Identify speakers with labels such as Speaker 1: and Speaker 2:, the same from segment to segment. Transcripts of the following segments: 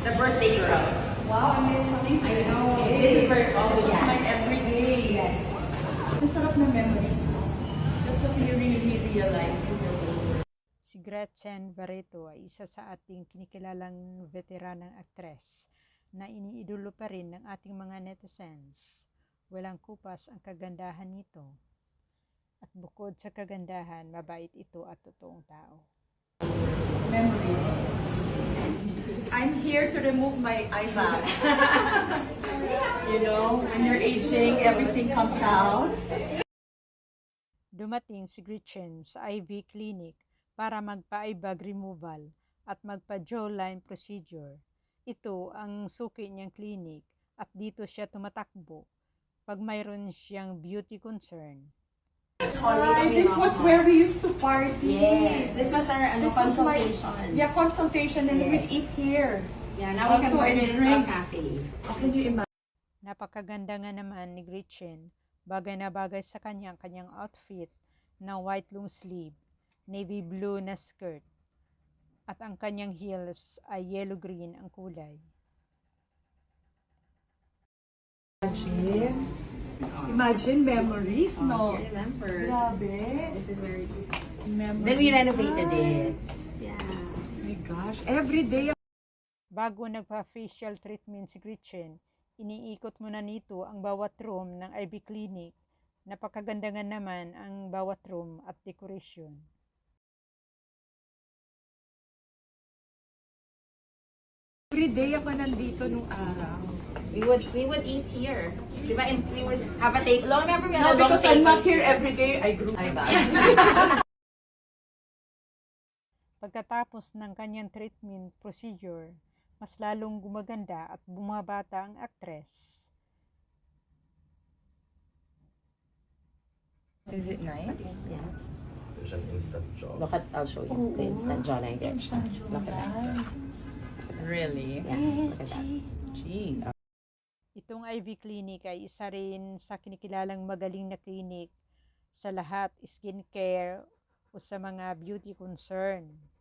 Speaker 1: The birthday girl.
Speaker 2: Wow, I miss coming to this day.
Speaker 1: This is where
Speaker 2: This was my everyday.
Speaker 1: Yes.
Speaker 2: Ang sarap ng memories. That's what you really realize when you're older.
Speaker 3: Si Gretchen Barreto ay isa sa ating kinikilalang veteranang aktres na iniidolo pa rin ng ating mga netizens. Walang kupas ang kagandahan nito. At bukod sa kagandahan, mabait ito at totoong tao.
Speaker 2: Memories. I'm here to remove my eye bag. You know, when you're aging, everything comes out.
Speaker 3: Dumating si Gretchen sa IV clinic para magpa-eye bag removal at magpa-jawline procedure. Ito ang suki niyang clinic at dito siya tumatakbo pag mayroon siyang beauty concern.
Speaker 2: And this was where we used to party.
Speaker 1: Yes. This was our
Speaker 2: This was my-
Speaker 1: consultation.
Speaker 2: consultation, and we'd
Speaker 1: Yes.
Speaker 2: eat here.
Speaker 1: Yeah, now we can
Speaker 2: Also,
Speaker 1: order
Speaker 2: and
Speaker 1: it in
Speaker 2: drink.
Speaker 1: our cafe.
Speaker 2: How can you imagine?
Speaker 3: Napakaganda nga naman ni Gretchen, bagay na bagay sa kanyang outfit na white long sleeve, navy blue na skirt, at ang kanyang heels ay yellow-green ang kulay.
Speaker 2: Imagine memories, no?
Speaker 1: I remember.
Speaker 2: Grabe.
Speaker 1: This is very easy.
Speaker 2: Memories.
Speaker 1: Then we renovated it. Yeah.
Speaker 2: Oh my gosh, every day.
Speaker 3: Bago nagpa-facial treatment si Gretchen, iniikot muna nito ang bawat room ng IV clinic. Napakaganda nga naman ang bawat room at decoration.
Speaker 2: Every day ako nandito nung araw.
Speaker 1: We would eat here. Diba? And we would have a take. Long remember we had
Speaker 2: No,
Speaker 1: a long
Speaker 2: because I'm
Speaker 1: table
Speaker 2: not here every day, I grew my bag.
Speaker 3: Pagkatapos ng kanyang treatment procedure, mas lalong gumaganda at bumabata ang aktres.
Speaker 2: Is it nice?
Speaker 1: Yeah.
Speaker 4: There's an instant job.
Speaker 1: Look at, I'll show you. The instant jawline. Look at that.
Speaker 2: Really?
Speaker 1: Yeah. Look at that.
Speaker 2: Gee.
Speaker 3: Itong IV clinic ay isa rin sa kinikilalang magaling na clinic sa lahat skincare o sa mga beauty concern.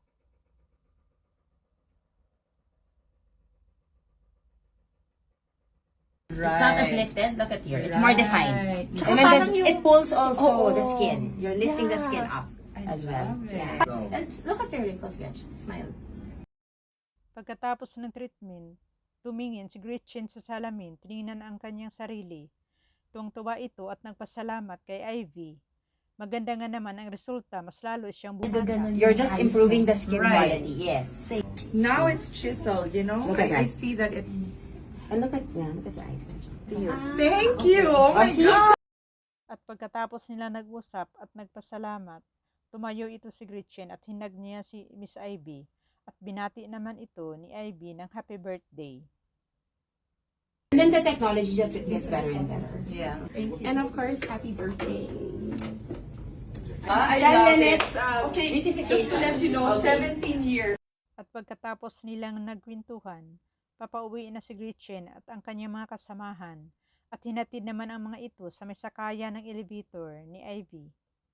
Speaker 1: It's not as lifted. Look at here. It's more defined.
Speaker 2: Tsaka
Speaker 1: And then
Speaker 2: parang yung-
Speaker 1: it pulls also
Speaker 2: Oo.
Speaker 1: the skin. You're lifting the
Speaker 2: Yeah.
Speaker 1: skin up
Speaker 2: I
Speaker 1: as well.
Speaker 2: love it.
Speaker 1: Yeah. And look at your wrinkles, Gretchen. Smile.
Speaker 3: Pagkatapos ng treatment, tumingin si Gretchen sa salamin, tiningnan ang kanyang sarili. Tuwang-tuwa ito at nagpasalamat kay Ivy. Maganda nga naman ang resulta, mas lalo siyang bumata.
Speaker 1: You're just improving the skin
Speaker 2: Right.
Speaker 1: quality. Yes.
Speaker 2: Now it's chiseled, you know?
Speaker 1: Look at
Speaker 2: I
Speaker 1: that.
Speaker 2: see that it's...
Speaker 1: And look at your eyes, Gretchen. Here.
Speaker 2: Thank you! Oh my
Speaker 1: see?
Speaker 2: God!
Speaker 3: At pagkatapos nila nag-usap at nagpasalamat, tumayo ito si Gretchen at hinag niya si Miss Ivy at binati naman ito ni Ivy ng happy birthday.
Speaker 1: And then the technology just gets better and better.
Speaker 2: Yeah. Thank you.
Speaker 1: And of course, happy birthday.
Speaker 2: I
Speaker 1: 10
Speaker 2: love
Speaker 1: minutes,
Speaker 2: it. Okay,
Speaker 1: beautification.
Speaker 2: just to let you know,
Speaker 1: Okay.
Speaker 2: 17 years.
Speaker 3: At pagkatapos nilang nagkwentuhan, papauwi na si Gretchen at ang kanyang mga kasamahan at hinatid naman ang mga ito sa may sakaya ng elevator ni Ivy.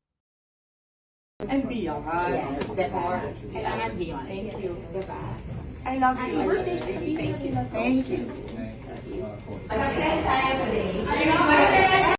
Speaker 2: And beyond.
Speaker 1: Yes, diba? Kailangan beyond.
Speaker 2: Thank you.
Speaker 1: Diba?
Speaker 2: I love
Speaker 1: Happy
Speaker 2: you.
Speaker 1: birthday.
Speaker 2: Thank you. Thank you.
Speaker 1: Success tayo today.